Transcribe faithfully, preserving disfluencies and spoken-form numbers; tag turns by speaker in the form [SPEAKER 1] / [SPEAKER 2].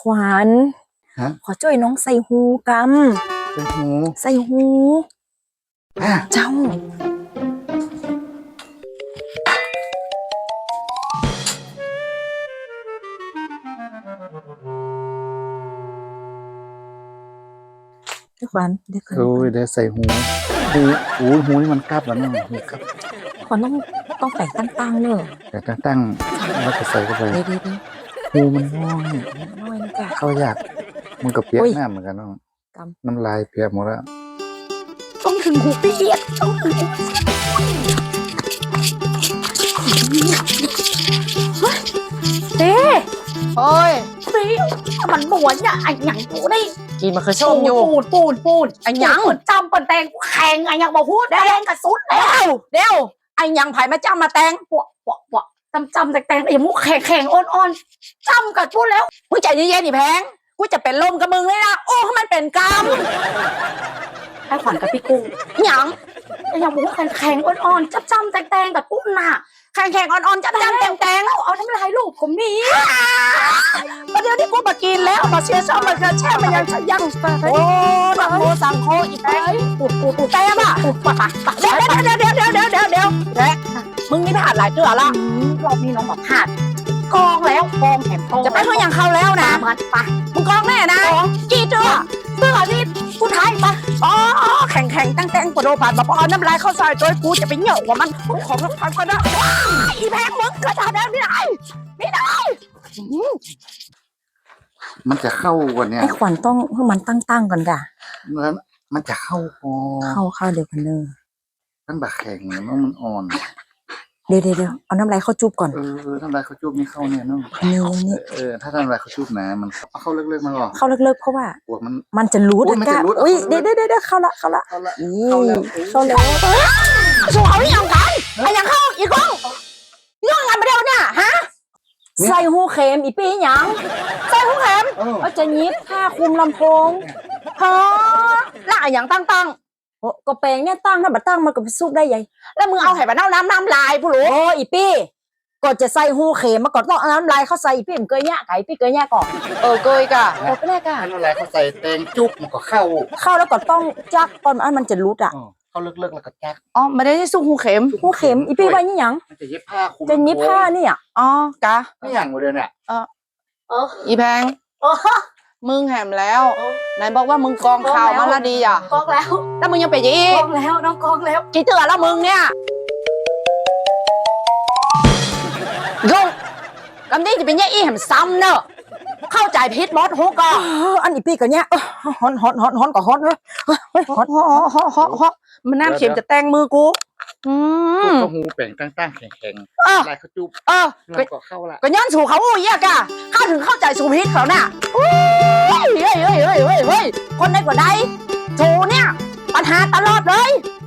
[SPEAKER 1] วัญขอช่วยน้องใส่หูกำใส่หูใส่หูเจ้าขวัญเดี๋ยวโอ้ยเดี๋ยวใส่หูหูหูหูนี่มันกลับแล้วเนาะหูกลับขวัญต้องต้องแต่งตั้งๆเนอะแต่งตั้งๆแล้วก็ใส่เข้าไปเดี๋ยวหูมันน้อยน้อยนะจ๊ะเขาอยากมันกับเปียกหน้าเหมือนกันเนาะน้ำลายเปียกหมดแล้วต้องถึงหูเปียกต้องถึงเต้โอ้ยปีมันบวนเนี่ยไอ้หยังกูได้กีมันคือชมอยู่ปูดปูดปูดไอ้หยังจำเป็นแตงแข่งไอ้หยังบอกพูดแดงกับสุดแล้วเดี๋ยวไอ้หยังไผ่มาจำมาแตงปวกปวกปวกจำจำแต่แตงไอ้มุกแข่งแข่งอ่อนอ่อนจำกับพูดแล้วมึงใจเย็นๆนี่แพงกูจะเป็นลมกับมึงเลยนะโอ้มันเป็นกรรมไอ้ขวัญกับพี่กุ้งหยังไอ้หยังบอกว่าแข่งแข่งอ่อนอ่อนจำจำแต่แตงกับปุ้นน่ะแข่งแข่งอ่อนๆจำจำแตงแตงแล้วเอาทำลายลูกผมนี่ประเดี๋ยวที่กูมากินแล้วมาเชียร์ชอบมันกระแช่มันยังยังโอ้ดังโมสังโคอีแตงปูดปูดปูดแตงอ่ะปูดปะปะเดี๋ยวเดี๋ยวเดี๋ยวเดี๋ยวเดี๋ยวเดี๋ยวเดี๋ยวเดี๋ยวมึงนี่พลาดหลายเกือละรอบนี้น้องบอกพลาดกองแล้วกองแถมกองจะไปเพื่อยังเข้าแล้วนะมันปะมึงกองแน่นะกี่เจือเสื้อนี่กูไทยปะอ๋อแข่งแข่งตั้งแต่งปะโดผ่านมาปอนน้ำลายเข้าซอยโดยกูจะไปเหนี่ยวกว่ามันของน้ำพันก็ได้อีแพงมึงก็ทำได้ไม่ได้ไม่ได้มันจะเข้าวันเนี้ยไอ้ขวัญต้องให้มันตั้งๆก่อนด่ะแล้วมันจะเข้าพอเข้าเข้าเดี๋ยวกันเนอตั้งแต่แข็งแล้วมันอ่อนเดี๋ยวเดี๋ยวเอาน้ำลายเข้าจุบก่อนเออน้ำลายเข้าจุบนี่เข้าเนี่ยเนาะนี่นี่เออถ้าน้ำลายเข้าจุบนะมันเข้าเลิกๆมันหรอเข้าเลิกๆเพราะว่ามันมันจะรู้นะก้าอุ้ยเดี๋ยวเดี๋ยวเดี๋ยวเข้าละเข้าละเข้าละเข้าแล้วเข้าแล้วสู้เขาอย่างกันไอ้ยังเข้าอีกองเรื่องงานมาเดียวเนี่ยฮะใส่หูเข็มอีปีหยังใส่หูเข็มเอาจะยิบผ้าคลุมลำโพงฮะแล้วอย่างตั้งๆโอ้ก็แปลงเนี่ยตั้งถ้าบัดตั้งมันก็ไปซุกได้ยัยแล้วมึงเอาไห่บัดน้ำน้ำน้ำลายผู้หลวงโอ้อีปีก็จะใส่หูเข็มมาก่อนต้องเอาน้ำลายเข้าใส่อีปีมันเกยแย่ไก่ปีเกยแย่ก่อนเออเกยก่ะเออก็ได้ก่ะน้ำลายเข้าใส่แตงจุกมันก็เข้าเข้าแล้วก็ต้องจักก่อนอันมันจะรุดอ่ะเขาเลิกๆแล้วก็แจ๊กอ๋อไม่ได้ซุกหูเข็มหูเข็มอีปีไว้นี่หยังจะเย็บผ้าคุมจะเย็บผ้านี่อ่ะอ๋อกะนี่อย่างเดียวเนี่ยเออเอออีแพงมึงแหมแล้วไหนบอกว่ามึงกองข่าวมาละดีอ่ะกองแล้วแล้วมึงยังไปยีกองแล้วน้องกองแล้วกี่เตือนแล้วมึงเนี่ยยุ่งลำนี้จะเป็นแย่อีแหมซ้ำเนอะเข้าใจพิษมดหูกออันอีปีกันเนี้ยฮอนฮอนฮอนฮอนกับฮอนเลยฮอนฮอนฮอนฮอนฮอนมันน้ำเข็มจะแตงมือกูอืมก็หูแป่งตั้งๆแข็งๆอะไรเขาจุบเออก็เข้าละก็ย้อนสู่เขาโอ้ยกะเข้าถึงเข้าใจสู่พิษเขาน่ะเฮ้ยเฮ้ยเฮ้ยเฮ้ยเฮ้ยคนใดกว่าใดถูเนี่ยปัญหาตลอดเลย